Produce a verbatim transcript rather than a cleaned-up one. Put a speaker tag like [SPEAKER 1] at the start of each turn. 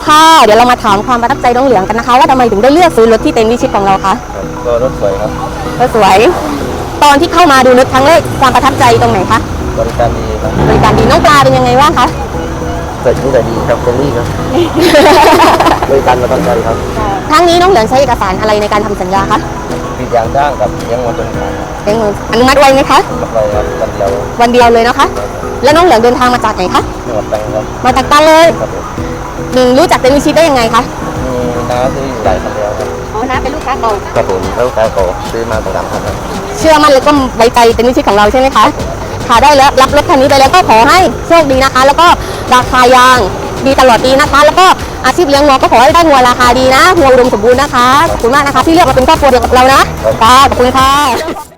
[SPEAKER 1] ค่ะเดี๋ยวเรามาถามความประทับใจน้องเหลืองกันนะคะว่าทำไมถึงได้เลือกซื้อรถที่เต็นท์วิชิตของเราคะ
[SPEAKER 2] ก็รถสวยครับ
[SPEAKER 1] รถสวยตอนที่เข้ามาดูรถครั้งแรกความประทับใจตรงไหนคะ
[SPEAKER 2] บริการดีครับ
[SPEAKER 1] บริการดีน้องปลาเป็นยังไงบ้างคะ
[SPEAKER 2] เกิดที่ไหนดีครับเฟรนลี่ครับ บริการประทับใจครับ
[SPEAKER 1] ครั้งนี้น้องเหลืองใช้เอกสารอะไรในการทำสัญญาคะ
[SPEAKER 2] ปิดยางด้างกับเลี้ยงวัวจนขาย
[SPEAKER 1] เลี้ยงวัวอนุมัติไวไหมคะ
[SPEAKER 2] อนุมัติไวครับวันเดียว
[SPEAKER 1] วันเดียวเลยนะคะแล้วน้องเหลืองเดินทางมาจากไหนคะ
[SPEAKER 2] จังหวัดตรังครับ
[SPEAKER 1] มาจากตรังเลย
[SPEAKER 2] ครับ
[SPEAKER 1] หนึ่งรู้จักเต็นท์วิชิตได้ยังไงคะ
[SPEAKER 2] มีน้าที่อยู่หลายคันแล้วครับ
[SPEAKER 1] อ๋อน้าเป็นลูกค้าเก่า
[SPEAKER 2] ครับผมแล้วลูกค้าเก่าซื้อมาประจำครับ
[SPEAKER 1] เชื่อมั่นแล้วก็ไว้ใจเต็นท์วิชิตของเราใช่ไหมคะค่ะได้แล้วรับรถคันนี้ไปแล้วก็ขอให้โชคดีนะคะแล้วก็ราคายางดีตลอดปีนะคะแล้วก็อาชีพเลี้ยงวัวก็ขอให้ได้วัวราคาดีนะวัวอุดมสมบูรณ์นะคะขอบคุณมากนะคะที่เลือกมาเป็นครอบครัวเดียวกับเรานะค่ะขอบคุณค่ะ